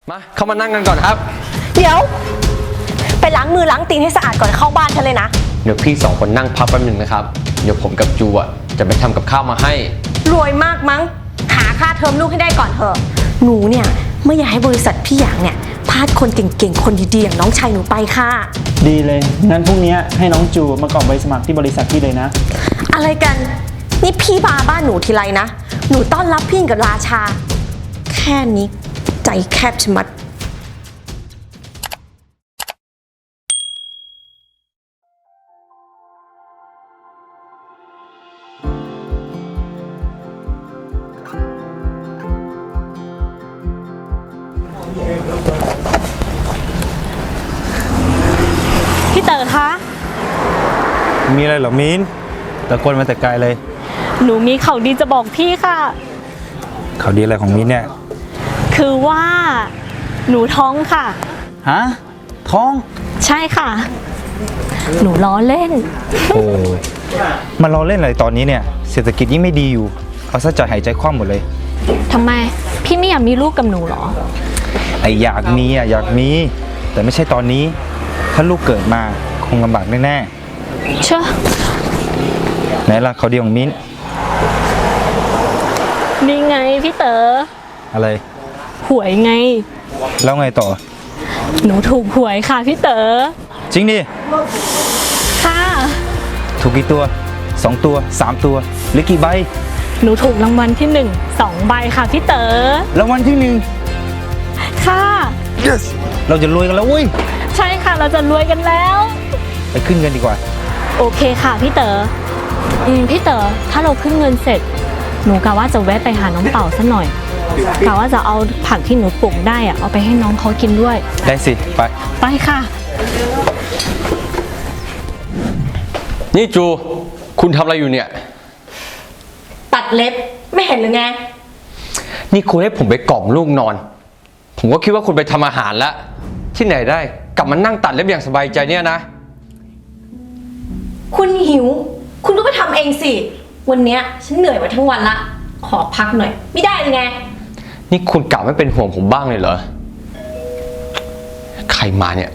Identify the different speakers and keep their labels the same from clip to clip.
Speaker 1: มาเข้ามานั่งกันก่อนครับ
Speaker 2: เดี๋ยวไปล้างมือล้างตีนให้สะอาดก่อนเข้าบ้านฉันเลยนะ
Speaker 1: เดี๋ยวพี่2 คนนั่งพักแป๊บนึงนะครับเดี๋ยวผมกับจูจะไปทำกับข้าวมาให้
Speaker 2: รวยมากมั้งหาค่าเทอมลูกให้ได้ก่อนเถอะหนูเนี่ยไม่อยากให้บริษัทพี่หยางเนี่ยพลาดคนเก่งๆคนดีๆอย่างน้องชายหนูไปค่ะ
Speaker 3: ดีเลยงั้นพรุ่งนี้ให้น้องจูมากรอกใบสมัครที่บริษัทพี่เลยนะ
Speaker 2: อะไรกันนี่พี่มาบ้านหนูทีไรนะหนูต้อนรับพี่กับราชาแค่นี้ใจแคบชะมัด
Speaker 4: พี่เต๋อคะ
Speaker 3: มีอะไรเหรอมิ้นตะโกนมาแต่ไกลเลย
Speaker 4: หนูมีข่าวดีจะบอกพี่ค่ะ
Speaker 3: ข่าวดีอะไรของมิ้นเนี่ย
Speaker 4: คือว่าหนูท้องค่ะ
Speaker 3: ฮะท้อง
Speaker 4: ใช่ค่ะหนูล้อเล่น
Speaker 3: โอ้มันล้อเล่นอะไรตอนนี้เนี่ยเศรษฐกิจยิ่งไม่ดีอยู่เอาซะใจหายใจคว่ำหมดเลย
Speaker 4: ทำไมพี่ไม่อยากมีลูกกับหนูหรอ
Speaker 3: ไออยากมีอ่ะอยากมีแต่ไม่ใช่ตอนนี้ถ้าลูกเกิดมาคงลำบากแน่
Speaker 4: ๆเชื่อ
Speaker 3: ไหนล่ะข่าวดีของมิ้น
Speaker 4: นี่ไงพี่เต๋อ
Speaker 3: อะไร
Speaker 4: หวยไง
Speaker 3: แล้วไงต่อ
Speaker 4: หนูถูกหวยค่ะพี่เต๋อ
Speaker 3: จริงดิ
Speaker 4: ค่ะ
Speaker 3: ถูกกี่ตัว2 ตัว3 ตัวหรือกี่ใบ
Speaker 4: หนูถูกรางวัลที่1 2 ใบค่ะพี่เต๋อ
Speaker 3: รางวัลที่
Speaker 4: 1ค่ะ
Speaker 3: yes เราจะรวยกันแล้วเว้ย
Speaker 4: ใช่ค่ะเราจะรวยกันแล้ว
Speaker 3: ไปขึ้นเงินดีกว่า
Speaker 4: โอเคค่ะพี่เต๋อพี่เต๋อถ้าเราขึ้นเงินเสร็จหนูกะว่าจะแวะไปหาน้องเต่าสักหน่อยกะว่าจะเอาผักที่หนูปลูกได้อะเอาไปให้น้องเขากินด้วย
Speaker 3: ได้สิไป
Speaker 4: ค่ะ
Speaker 1: นี่จูคุณทำอะไรอยู่เนี่ย
Speaker 2: ตัดเล็บไม่เห็นหรือไง
Speaker 1: นี่คุณให้ผมไปกล่อมลูกนอนผมก็คิดว่าคุณไปทำอาหารแล้วที่ไหนได้กลับมานั่งตัดเล็บอย่างสบายใจเนี่ยนะ
Speaker 2: คุณหิวคุณก็ไปทำเองสิวันนี้ฉันเหนื่อยมาทั้งวันละขอพักหน่อยไม่ได้เลยไง
Speaker 1: นี่คุณกลับไม่เป็นห่วงผมบ้างเลยเหรอใครมาเนี่ย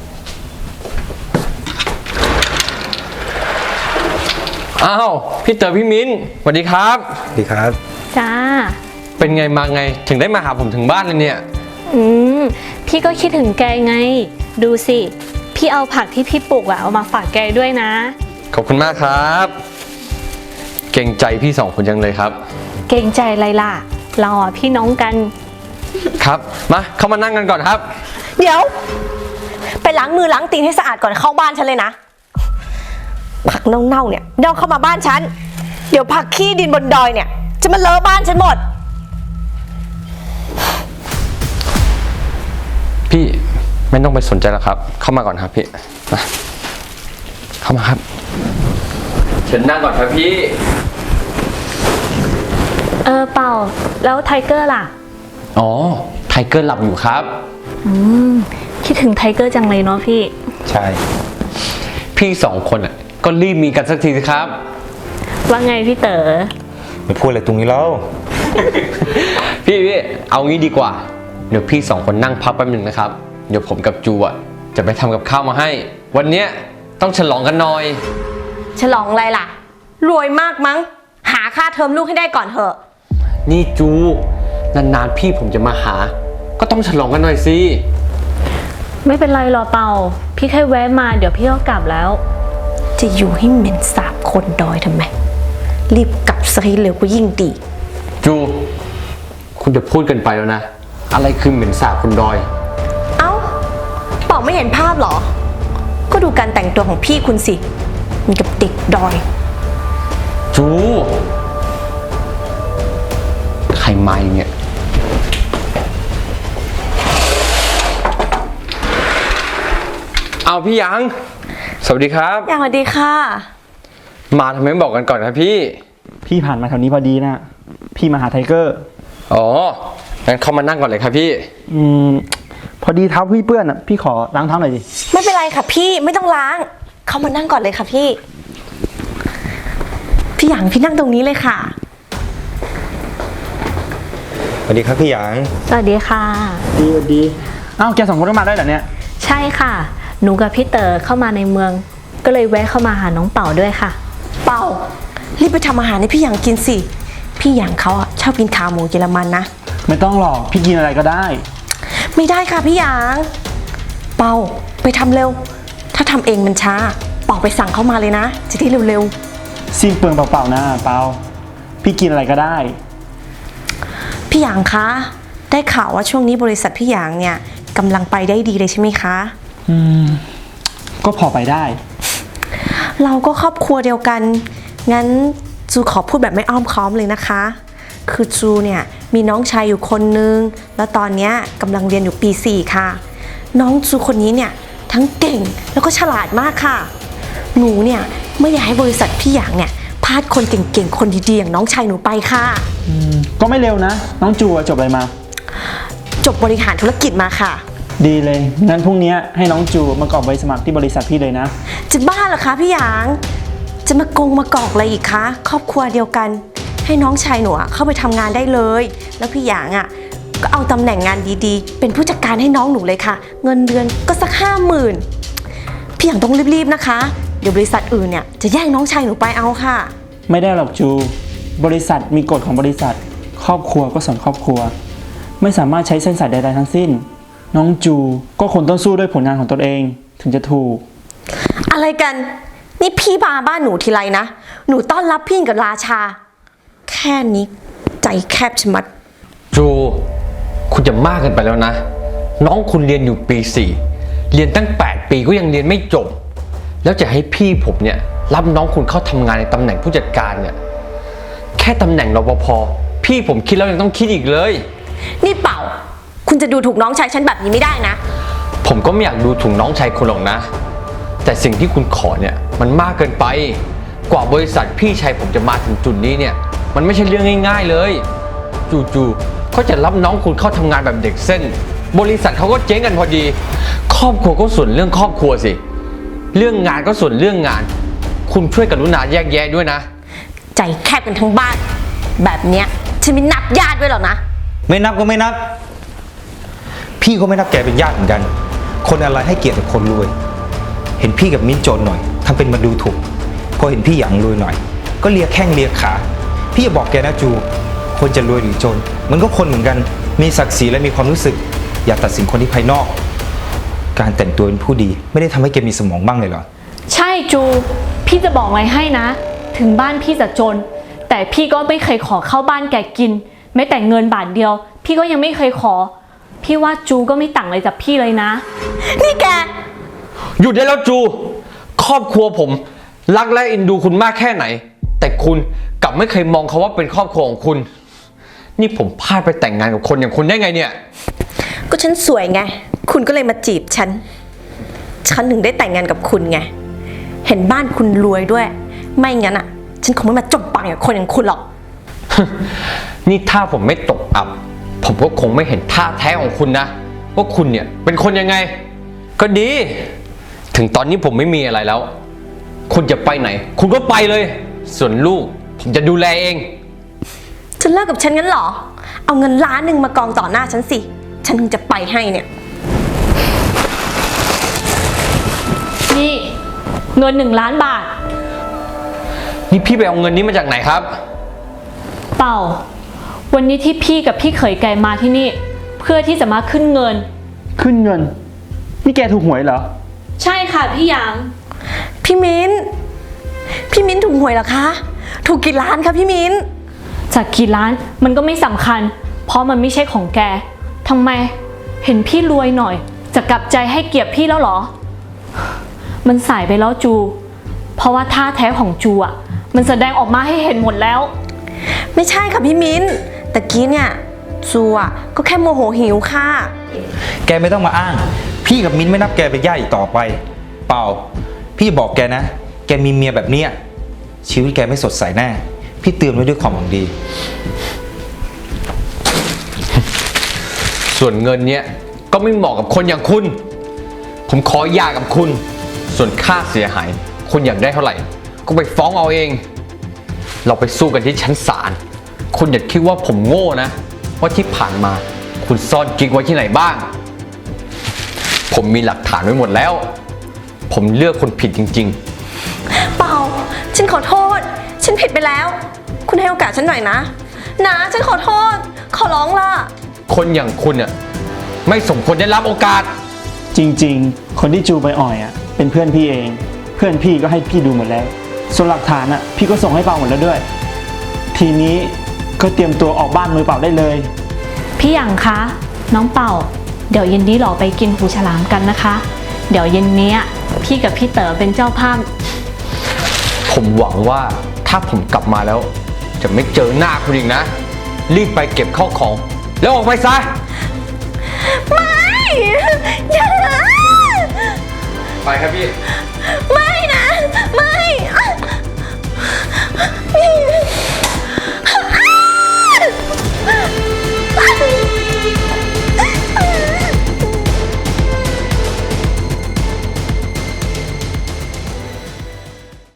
Speaker 1: อ้าวพี่เต๋อพี่มิ้นสวัสดีครับ
Speaker 3: สวัสดีครับ
Speaker 4: จ้า
Speaker 1: เป็นไงมาไงถึงได้มาหาผมถึงบ้านเลยเนี่ย
Speaker 4: พี่ก็คิดถึงแกไงดูสิพี่เอาผักที่พี่ปลูกเอามาฝากแกด้วยนะ
Speaker 1: ขอบคุณมากครับเกรงใจพี่2 คนจังเลยครับ
Speaker 4: เกรงใจอะไรล่ะเราพี่น้องกัน
Speaker 1: ครับมาเข้ามานั่งกันก่อนครับ
Speaker 2: เดี๋ยวไปล้างมือล้างตีนให้สะอาดก่อนเข้าบ้านฉันเลยนะผักเน่าๆเนี่ยเน่าเข้ามาบ้านฉันเดี๋ยวผักขี้ดินบนดอยเนี่ยจะมาเลอะบ้านฉันหมด
Speaker 1: พี่ไม่ต้องไปสนใจแล้วครับเข้ามาก่อนครับพี่มาเข้ามาครับเชิญนั่งก่อนครับพี่
Speaker 4: เปล่าแล้วไทเกอร์ล่ะ
Speaker 1: อ๋อไทเกอร์หลับอยู่ครับ
Speaker 4: คิดถึงไทเกอร์จังเลยเนาะพี่
Speaker 1: ใช่พี่2 คนก็รีบมีกันสักทีสิครับ
Speaker 4: ว่าไงพี่เต๋อ
Speaker 3: ไม่พูดอะไรตรงนี้แล้ว
Speaker 1: พี่เอางี้ดีกว่าเดี๋ยวพี่2 คนนั่งพักแป๊บนึงนะครับเดี๋ยวผมกับจูจะไปทำกับข้าวมาให้วันนี้ต้องฉลองกันหน่อย
Speaker 2: ฉลองอะไรล่ะรวยมากมั้งหาค่าเทอมลูกให้ได้ก่อนเถอะ
Speaker 1: นี่จูนานๆพี่ผมจะมาหาก็ต้องฉลองกันหน่อยสิ
Speaker 4: ไม่เป็นไรหรอเปาพี่แค่แวะมาเดี๋ยวพี่ก็กลับแล้ว
Speaker 2: จะอยู่ให้เหม็นสาบคนดอยทำไมรีบกลับซะให้เร็วก็ยิ่งดี
Speaker 1: จูคุณจะพูดกันไปแล้วนะอะไรคือเหม็นสาบคนดอย
Speaker 2: เอ้าเปาไม่เห็นภาพหรอก็ดูการแต่งตัวของพี่คุณสิมันกับเด็กดอย
Speaker 1: จูใครมาเนี่ยเอาพี่ยังสวัสดีครับ
Speaker 2: สวัสดีค่ะ
Speaker 1: มาทำไมไม่บอกกันก่อนครับพี่
Speaker 3: ผ่านมาแถวนี้พอดีนะพี่มาหาไทเกอร์
Speaker 1: อ๋องั้นเข้ามานั่งก่อนเลยครับพี่
Speaker 3: พอดีเท้าพี่เปื้อนพี่ขอล้างเท้าหน่อยดิ
Speaker 2: ไม่เป็นไรค่ะพี่ไม่ต้องล้างเข้ามานั่งก่อนเลยค่ะพี่หยางพี่นั่งตรงนี้เลยค่ะ
Speaker 3: สวัสดีครับพี่หยาง
Speaker 4: สวัสดีค่ะ
Speaker 5: ดีอ้าวแกสองคนก็มาได้เหรอเนี่ย
Speaker 4: ใช่ค่ะ หนูกับพี่เต๋อเข้ามาในเมือง ก็เลยแวะเข้ามาหาน้องเป่าด้วยค่ะ
Speaker 2: เป่ารีบไปทำอาหารให้พี่หยางกินสิ พี่หยางเขาอะชอบกินขาหมูเยอรมันนะ
Speaker 5: ไม่ต้องหรอกพี่กินอะไรก็ได้
Speaker 2: ไม่ได้ค่ะพี่หยาง เป่าไปทำเร็ว ถ้าทำเองมันช้า เป่าไปสั่งเขามาเลยนะ จะได้เร็ว
Speaker 5: สิ้นเปลืองเปล่าๆนะเปาพี่กินอะไรก็ได้
Speaker 2: ๆ พี่หยางคะ ได้ข่าวว่าช่วงนี้บริษัทพี่หยางเนี่ยกำลังไปได้ดีเลยใช่ไหมคะ
Speaker 5: ก็พอไปได้
Speaker 2: เราก็ครอบครัวเดียวกัน งั้นจูขอพูดแบบไม่อ้อมค้อมเลยนะคะ คือจูเนี่ยมีน้องชายอยู่คนนึง แล้วตอนเนี้ยกำลังเรียนอยู่ปี 4 ค่ะ น้องจูคนนี้เนี่ยทั้งเก่งแล้วก็ฉลาดมากค่ะ หนูเนี่ยไม่อยากให้บริษัทพี่หยางเนี่ยพลาดคนเก่งๆ คนดีๆอย่างน้องชายหนูไปค่ะ
Speaker 5: ก็ไม่เร็วนะ น้องจูอะจบอะไรมา
Speaker 2: จบบริหารธุรกิจมาค่ะ
Speaker 5: ดีเลย งั้นพรุ่งนี้ให้น้องจูมากรอกใบสมัครที่บริษัทพี่เลยนะ
Speaker 2: จะบ้าเหรอคะพี่หยาง จะมากอกอะไรอีกคะ ครอบครัวเดียวกัน ให้น้องชายหนูอะเข้าไปทำงานได้เลย แล้วพี่หยางอ่ะก็เอาตำแหน่งงานดีๆ เป็นผู้จัดการให้น้องหนูเลยค่ะ เงินเดือนก็สัก50,000พี่หยางต้องรีบๆนะคะ เดี๋ยวบริษัทอื่นเนี่ยจะแย่งน้องชายหนูไปเอาค่ะ
Speaker 5: ไม่ได้หรอกจู บริษัทมีกฎของบริษัท ครอบครัวก็ส่วนครอบครัว ไม่สามารถใช้เส้นสายใดๆทั้งสิ้น น้องจูก็คนต้องสู้ด้วยผลงานของตนเองถึงจะถูก
Speaker 2: อะไรกัน นี่พี่มาบ้านหนูทีไรนะ หนูต้อนรับพี่กับราชา แค่นี้ใจแคบชะมัด
Speaker 1: จูคุณจะมากเกินไปแล้วนะ น้องคุณเรียนอยู่ปี 4 เรียนตั้ง 8 ปีก็ยังเรียนไม่จบ แล้วจะให้พี่ผมเนี่ยรับน้องคุณเข้าทำงานในตำแหน่งผู้จัดการเนี่ยแค่ตำแหน่งรปภพี่ผมคิดแล้วยังต้องคิดอีกเลย
Speaker 2: นี่เป่า คุณจะดูถูกน้องชายฉันแบบนี้ไม่ได้นะ
Speaker 1: ผมก็ไม่อยากดูถูกน้องชายคุณหรอกนะ แต่สิ่งที่คุณขอเนี่ยมันมากเกินไป กว่าบริษัทพี่ชายผมจะมาถึงจุดนี้เนี่ยมันไม่ใช่เรื่องง่ายๆเลยจู่ๆเขาจะรับน้องคุณเข้าทำงานแบบเด็กเส้น บริษัทเขาก็เจ๊งกันพอดี ครอบครัวก็ส่วนเรื่องครอบครัวสิเรื่องงานก็ส่วนเรื่องงาน คุณช่วยกรุณาแยกแยะด้วยนะ
Speaker 2: ใจแคบกันทั้งบ้าน แบบเนี้ยฉันไม่นับญาติด้วยหรอกนะ
Speaker 3: ไม่นับก็ไม่นับ พี่ก็ไม่นับแกเป็นญาติเหมือนกัน คนอะไรให้เกียรติกับคนรวย เห็นพี่กับมิ้นจนหน่อยทำเป็นมาดูถูก พอเห็นพี่หยางรวยหน่อย ก็เลียแข้งเลียขา พี่จะบอกแกนะจู คนจะรวยหรือจน มันก็คนเหมือนกัน มีศักดิ์ศรีและมีความรู้สึก อย่าตัดสินคนที่ภายนอก การแต่งตัวเป็นผู้ดี ไม่ได้ทำให้แกมีสมองบ้างเลยเหรอ
Speaker 4: ใช่จู พี่จะบอกอะไรให้นะ ถึงบ้านพี่จะจน แต่พี่ก็ไม่เคยขอเข้าบ้านแกกิน แม้แต่เงินบาทเดียว พี่ก็ยังไม่เคยขอ พี่ว่าจูก็ไม่ต่างอะไรจากพี่เลยนะ
Speaker 2: นี่แก
Speaker 1: หยุดได้แล้วจู ครอบครัวผมรักและเอ็นดูคุณมากแค่ไหน แต่คุณกลับไม่เคยมองเขาว่าเป็นครอบครัวของคุณ นี่ผมพลาดไปแต่งงานกับคนอย่างคุณได้ไงเนี่ย
Speaker 2: ก็ฉันสวยไง คุณก็เลยมาจีบฉัน ฉันถึงได้แต่งงานกับคุณไง เห็นบ้านคุณรวยด้วย ไม่งั้นอ่ะ ฉันคงไม่มาจมปากกับคนอย่างคุณหรอก
Speaker 1: นี่ถ้าผมไม่ตกอับ ผมก็คงไม่เห็นท่าแท้ของคุณนะว่าคุณเนี่ยเป็นคนยังไง ก็ดี ถึงตอนนี้ผมไม่มีอะไรแล้ว คุณจะไปไหน คุณก็ไปเลย ส่วนลูกผมจะดูแลเอง
Speaker 2: จะเลิกกับฉันงั้นเหรอ เอาเงิน1,000,000มากองต่อหน้าฉันสิ ฉันถึงจะไปให้เนี่ย
Speaker 4: นี่เงิน1,000,000 บาท
Speaker 1: นี่พี่ไปเอาเงินนี้มาจากไหนครับ
Speaker 4: เปล่า วันนี้ที่พี่กับพี่เขยแกมาที่นี่ เพื่อที่จะมาขึ้นเงิน
Speaker 5: ขึ้นเงิน นี่แกถูกหวยเหรอ
Speaker 4: ใช่ค่ะพี่หยาง
Speaker 2: พี่มิ้น พี่มิ้นถูกหวยเหรอคะ ถูกกี่ล้านคะพี่มิ้น
Speaker 4: จากกี่ล้านมันก็ไม่สำคัญ เพราะมันไม่ใช่ของแกทำไม เห็นพี่รวยหน่อย จะกลับใจให้เกียรติพี่แล้วเหรอ มันสายไปแล้วจู เพราะว่าท่าแท้ของจูอ่ะ มันแสดงออกมาให้เห็นหมดแล้ว
Speaker 2: ไม่ใช่ค่ะพี่มิ้นตะกี้เนี่ยจูอ่ะก็แค่โมโหหิวค่ะ
Speaker 3: แกไม่ต้องมาอ้าง พี่กับมิ้นไม่นับแกเป็นญาติอีกต่อไป เปล่า พี่บอกแกนะ แกมีเมียแบบเนี้ยชีวิตแกไม่สดใสแน่ พี่เตือนไว้ด้วยความหวังดี
Speaker 1: ส่วนเงินเนี้ยก็ไม่เหมาะกับคนอย่างคุณ ผมขอหย่ากับคุณ ส่วนค่าเสียหาย คุณอยากได้เท่าไหร่ ก็ไปฟ้องเอาเอง เราไปสู้กันที่ชั้นศาล คุณอย่าคิดว่าผมโง่นะว่าที่ผ่านมาคุณซ่อนกิ๊กไว้ที่ไหนบ้าง ผมมีหลักฐานไว้หมดแล้ว ผมเลือกคนผิดจริง
Speaker 2: เปล่า ฉันขอโทษ ฉันผิดไปแล้ว คุณให้โอกาสฉันหน่อยนะ นะฉันขอโทษ ขอร้องล่ะ
Speaker 1: ๆ คนอย่างคุณเนี่ยไม่สมควรได้รับโอกาส
Speaker 5: จริงๆ คนที่จูไปอ่อยอ่ะเป็นเพื่อนพี่เอง เพื่อนพี่ก็ให้พี่ดูหมดแล้ว ส่วนหลักฐานอ่ะพี่ก็ส่งให้เปาหมดแล้วด้วย ทีนี้ก็เตรียมตัวออกบ้านมือเปล่าได้เลย
Speaker 4: พี่หยางคะ น้องเป่า เดี๋ยวเย็นนี้เราไปกินหูฉลามกันนะคะ เดี๋ยวเย็นนี้พี่กับพี่เต๋อเป็นเจ้าภาพ
Speaker 1: ผมหวังว่าถ้าผมกลับมาแล้ว จะไม่เจอหน้าคุณอีกนะ รีบไปเก็บข้าวของ แล้วออกไปซะ
Speaker 2: ไม่ อย่า
Speaker 1: ไปครับพี่
Speaker 2: ไ